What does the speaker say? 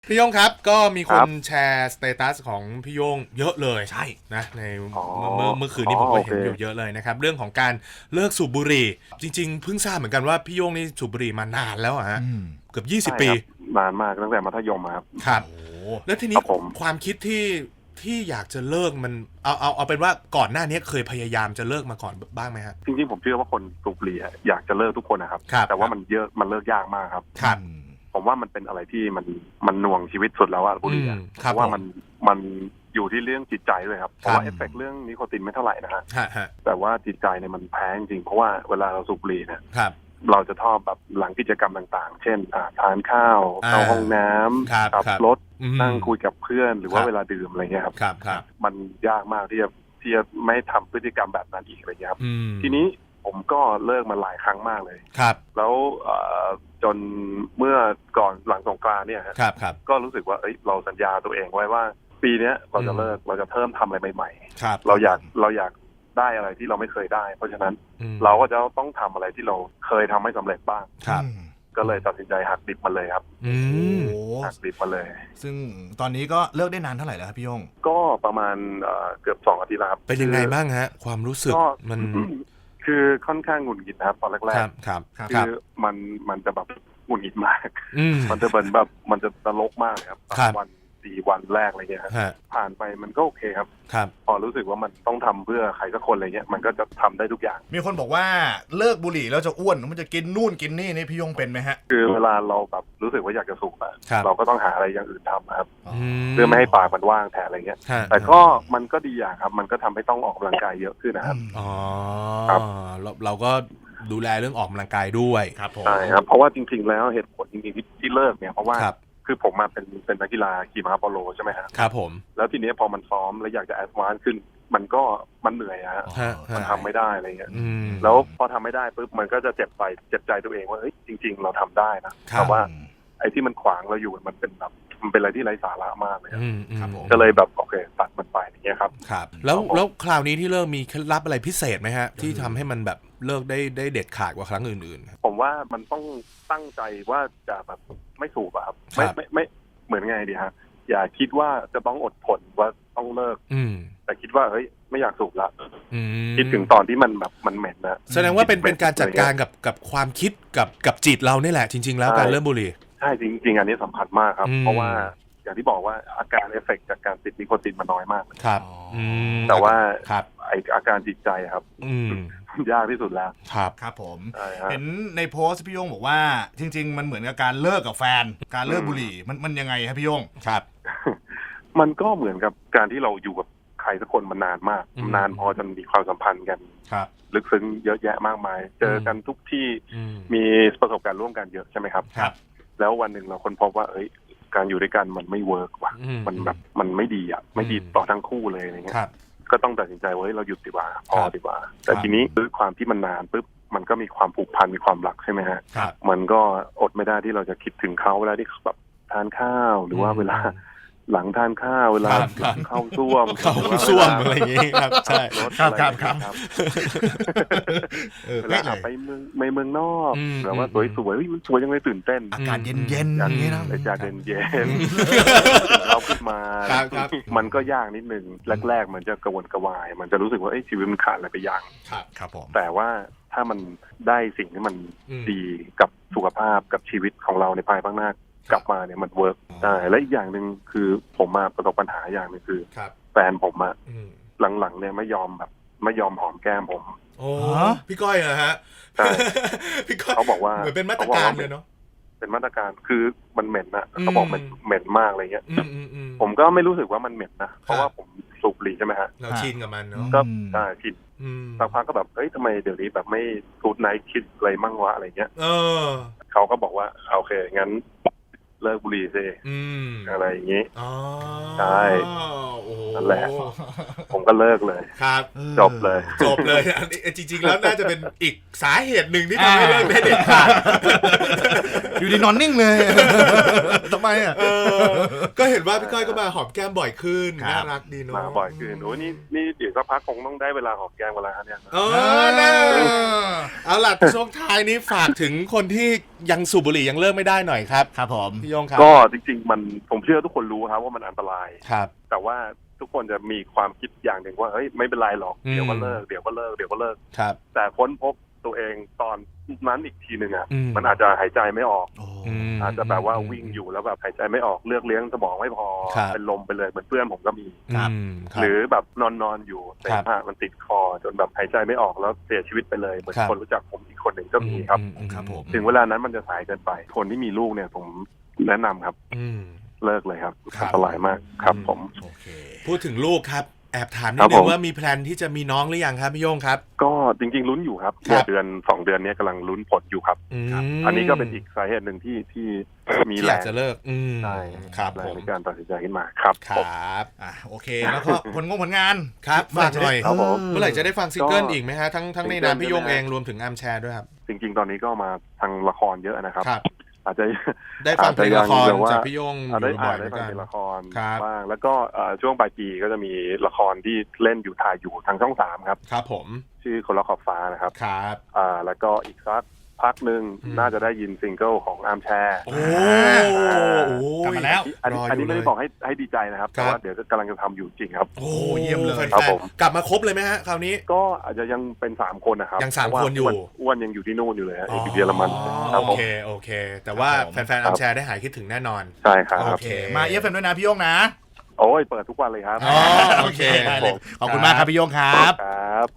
พี่โย่งครับก็มีคครันบแชร์สเตตัสของพี่โย่งเยอะเลยใช่นะในอ๋อเมื่อคืนนี้ผมก็เห็นอโอเคยู่เยอะเลยนะครับเรื่องของการเลิกสูบบุหรี่จริงๆเพิ่งทราบเหมือนกันว่าพี่โย่งนี่สูบบุหรี่มานานแล้วอะฮะเกือบใช่ 20 ปีครับนานมากตั้งแต่มัธยมครับครับโอ้แล้วทีคนี้รับผมความคิดที่อยากจะเลิกมันเอาเป็นว่าก่อนหน้านี้เคยพยายามจะเลิกมาก่อนบ้างไหมฮะจริงๆผมเชื่อว่าคนสูบบุหรี่อยากจะเลิกทุกคนนะครับครับแต่ว่ามันเลิกยากมากครับครับผมว่ามันเป็นอะไรที่มันหน่วงชีวิตสุดแล้วอะบุหรี่อะคเพรับราะว่าผมมันอยู่ที่เรื่องจิตใจด้วยครับเพครับราะว่าเอฟเฟกต์เรื่องนิโคตินไม่เท่าไหร่นะฮะฮะแต่ว่าจิตใจเนี่ยมันแพ้จริงๆเพราะว่าเวลาเราสูบบุหรี่เนี่ยครับเราจะชอบแบบหลังกิจกรรมต่างๆ เช่นทานข้าวเข้าห้องน้ำครับขับครับรถอืมนั่งคุยกับเพื่อนหรือว่าครับเวลาดื่มอะไรเงี้ยครับครับมันยากมากที่จะไม่ทำพฤติกรรมแบบนั้นอีกอะไรเงี้ยครับอืมทีนี้ผมก็เลิกมาหลายครั้งมากเลยครับแล้วจนเมื่อก่อนหลังสงกรานต์เนี่ยฮะครับก็รู้สึกว่าเราสัญญาตัวเองไว้ว่า ปีเนี้ยเราจะเลิกเราจะเพิ่มทำอะไรใหม่ครับๆเราอยากได้อะไรที่เราไม่เคยได้ เพราะฉะนั้นอืมเราก็จะต้องทำอะไรที่เราเคยทำไม่สำเร็จบ้างครับก็เลยตัดสินใจหักดิบมาเลยครับอืโอ้มหักดิบมาเลยซึ่งตอนนี้ก็เลิกได้นานเท่าไหร่แล้วครับพี่โย่งก็ประมาณเกือบ2 อาทิตย์แล้วครับเป็นยังไงบ้างฮะ ความรู้สึกก็มันคือค่อนข้างหงุดหงิดนะครับตอนคแรรักบครับครับๆคือมันจะแบบหงุดหงิดมากอืมมันจะเป็นแบบมันจะตลกมากเลยครับครับ 3 วัน 4 วันแรกอะไรเงี้ยครับฮะผ่านไปมันก็โอเคครับครับพอรู้สึกว่ามันต้องทำเพื่อใครสักคนอะไรเงี้ยมันก็จะทำได้ทุกอย่างมีคนบอกว่าเลิกบุหรี่แล้วจะอ้วนมันจะกินนู่นกินนี่พี่โย่งเป็นไหมฮะคือเวลาเราแบบรู้สึกว่าอยากจะสูบอะครับเราก็ต้องหาอะไรอย่างอื่นทำครับอ๋อเพื่อไม่ให้ปากมันว่างแทนอะไรเงี้ยฮะแต่ก็มันก็ดีอย่างครับมันก็ทำให้ต้องออกกำลังกายเยอะขึ้นนะครับอ๋อครับเราก็ดูแลเรื่องออกกำลังกายด้วยครับผมใช่ครับเพราะว่าจริงๆแล้วเหตุผลจริงๆที่เลิกเนี่ยเพราะว่าครับคือผมมาเป็นนักกีฬาขี่ม้าโปโลใช่ไหมฮะครับผมแล้วทีนี้พอมันซ้อมแล้วอยากจะแอดวานซ์ขึ้น มันเหนื่อยอะฮะฮะมันทำไม่ได้อะไรเงี้ยอืมแล้วพอทำไม่ได้ปุ๊บมันก็จะเจ็บใจตัวเองว่าเฮ้ยจริง ๆ เราทำได้นะครับ แต่ว่าไอ้ที่มันขวางเราอยู่มันเป็นแบบมันเป็นอะไรที่ไร้สาระมากเลยครับครับผมก็เลยแบบโอเคตัดมันไปอย่างเงี้ยครับครับ แล้วคราวนี้ที่เลิกมีเคล็ดลับอะไรพิเศษไหมฮะ ที่ทำให้มันแบบเลิกได้เด็ดขาดกว่าครั้งอื่นๆผมว่ามันต้องตั้งใจว่าจะแบบไม่สูบอะครับครับไม่เหมือนไงดีฮะอย่าคิดว่าจะต้องอดทนว่าต้องเลิกอืมแต่คิดว่าเฮ้ยไม่อยากสูบละอืมคิดถึงตอนที่มันแบบมันเหม็นนะแสดงว่าเป็นการจัดการกับความคิดกับจิตเรานี่แหละจริง ๆ แล้วใช่การเลิกบุหรี่ใช่จริง ๆ อันนี้สำคัญมากครับอืมเพราะว่าอย่างที่บอกว่าอาการเอฟเฟกต์จากการติดนิโคตินมันน้อยมากครับอ๋ออืมแต่ว่าครับไออาการจิตใจครับอืมยากที่สุดแล้วครับครับผมใช่ฮะเห็นในโพสต์พี่โย่งบอกว่าจริง ๆ มันเหมือนกับการเลิกกับแฟน การเลิกบุหรี่มันยังไงครับพี่โย่งครับมันก็เหมือนกับการที่เราอยู่กับใครสักคนมานานมากอืมนานพอจนมีความสัมพันธ์กันครับลึกซึ้งเยอะแยะมากมาย เจอกันทุกที่อืมมีประสบการณ์ร่วมกันเยอะใช่ไหมครับครับแล้ววันหนึ่งเราค้นพบว่าการอยู่ด้วยกันมันไม่เวิร์กว่ะอืมมันแบบมันไม่ดีอ่ะไม่ดีต่อทั้งคู่เลยอะไรเงี้คยรับก็ต้องตัดสินใจว่าเราหยุดดีกว่าพอครับดีกว่า แต่ทีนี้ด้วยความที่มันนานปุ๊บมันก็มีความผูกพันมีความรักใช่ไหมฮะครับมันก็อดไม่ได้ที่เราจะคิดถึงเขาเวลาที่แบบทานข้าวหรือว่าเวลาหลังทานข้าวเวลาครับเข้าซ่วมเข้าส้วมอะไรอย่างงี้ครับใช่รถครับอะคไรรับครับครับเเวลาเลยไปเมืองนอกอืมแบบว่าอืมสวยๆเฮ้ยมันสวยจังเลยตื่นเต้นอากาศเย็นๆอย่างนี้นะอากาศเย็นๆเราขึ้นมาครับมันก็ยากนิดนึงแรกๆมันจะกระวนกระวาย มันจะรู้สึกว่าชีวิตมันขาดอะไรไปอย่างครับครับผมแต่ว่าถ้ามันได้สิ่งที่มันอืมดีกับสุขภาพกับชีวิตของเราในภายภาคหน้ากลับมาเนี่ยมันเวิร์กได้และอีกอย่างหนึ่งคือผมมาประสบปัญหาอย่างหนึงคือครับแฟนผมอะอืมหลังๆเนี่ยไม่ยอมหอมแก้มผมโอ้พี่ก้อยเหรอฮะใช่พี่ก้อยเขาบอกว่าเหมือนเป็นมาตรการเลยเนาะเป็นมาตรการคือมันเหม็นนะอืมเขาบอกมันเหม็นมากอะไรเงี้ยอืมผมก็ไม่รู้สึกว่ามันเหม็นนะเพราะว่าผมสูบบุหรี่ใช่ไหมฮะเราชินกับมันเนาะก็อืมได้ผิดอืมสักพักก็แบบทำไมเดี๋ยวนี้แบบไม่กูดไนท์คิดอะไรมั่งวะอะไรเงี้ยเออเขาก็บอกว่าโอเคงั้นเลิกบุหรี่ซิอืมอะไรอย่างงี้อ๋อใช่โอ้โหนั่นแหละ ผมก็เลิกเลยครับจบเลยจบเลยอันนี้จริงๆแล้วน่าจะเป็นอีกสาเหตุหนึ่งที่ทำให้เลิกได้เด็ดขาดอยู่ดีนอนนิ่งเลยทำไมอ่ะก็เห็นว่าพี่ก้อยก็มาหอมแก้มบ่อยขึ้นครับน่ารักดีเนาะมาบ่อยขึ้นโอ้นี่เดี๋ยวสักพักคงต้องได้เวลาหอมแก้มกันแล้วเนี่ยนะเอาล่ะช่วงท้ายนี้ฝากถึงคนที่ยังสูบบุหรี่ยังเลิกไม่ได้หน่อยครับครับผมพี่โยงครับก็จริงๆมันผมเชื่อทุกคนรู้ครับว่ามันอันตรายครับแต่ว่าทุกคนจะมีความคิดอย่างหนึ่งว่าเฮ้ยไม่เป็นไรหรอกอืมเดี๋ยวก็เลิกเดี๋ยวก็เลิกเดี๋ยวก็เลิกครับแต่ค้นพบตัวเองตอนนั้นอีกทีหนึ่งอ่ะอืมมันอาจจะหายใจไม่ออกมอาจจะแบบว่าวิ่งอยู่แล้วแบบหายใจไม่ออกเลือกเลี้ยงสมองไม่พอครับเป็นลมไปเลยเหมือนเพื่อนผมก็มีครับครับหรือแบบนอนอยู่เสมหะมันติดคอจนแบบหายใจไม่ออกแล้วเสียชีวิตไปเลยเหมือนครับคนรู้จักผมอีกคนหนึ่งก็มีครับครับผมถึงเวลานั้นมันจะสายเกินไป คนที่มีลูกเนี่ยผมแนะนำครับอืมเลิกเลยครับครับอันตรายมากครับผมโอเคพูดถึงลูกครับแอบถามนิครัดบนึผงมว่ามีแพลนที่จะมีน้องหรือยังครับพี่โยงครับก็จริงๆลุ้นอยู่ครับครับเดือน2 เดือนนี้กำลังลุ้นผลอยู่ครับมอันนี้ก็เป็นอีกสาเหตุหนึ่งที่มีที่แรอยากงจะเลิกใช่ครับแรผงมในการตัดสินใจขึ้นมาครับครผมับโอเคแล้วก็ผลงานครับฝากหน่อยครับผมเมื่อไหร่จะได้ฟังซิงเกิลก็อีกไหมฮะทั้งในซิงเกิลนามพี่โยงใช่ไหมเองรวมถึงอาร์มแชร์ด้วยครับจริงๆ ตอนนี้ก็มาทางละครเยอะนะครับครับอาจจะได้ฟังเพลงละครอาจจะยังแบบว่าจากพี่โยงอได้ยู่บ่อยๆเหมืได้อนฟังกันเป็นละครครับบ้างแล้วก็ช่วงปลายปีก็จะมีละครที่เล่นอยู่ถ่ายอยู่ทางช่อง 3ครับครับผมชื่อคนละขอบฟ้านะครับครับแล้วก็อีกสักพักหนึ่งอืมน่าจะได้ยินซิงเกิลของอาร์มแชร์โอ้กลับมาแล้วอันนี้ไม่ได้บอกให้ดีใจนะครับครัแต่บว่าเดี๋ยวกำลังจะทำอยู่จริงครับโอ้เยี่ยมเลยแฟครับนผมๆกลับมาครบเลยไหมฮะคราวนี้ก็อาจจะยังเป็น3 คนนะครับยังสามเพราะว่าคนอยู่อ้วนยังอยู่ที่นู่นอยู่เลยฮะอยู่เยอรมันคอ๋รัอบผมโอเค แต่ว่าครับผมแฟนๆอาร์มแชร์ได้หายคิดถึงแน่นอนใช่ครับโอเคมาเอฟเอ็มด้วยนะพี่โยงนะโอ้ยเปิดทุกวันเลยครับอ๋อโอเคได้เลยขอบคุณมากครับพี่โยงครับครับ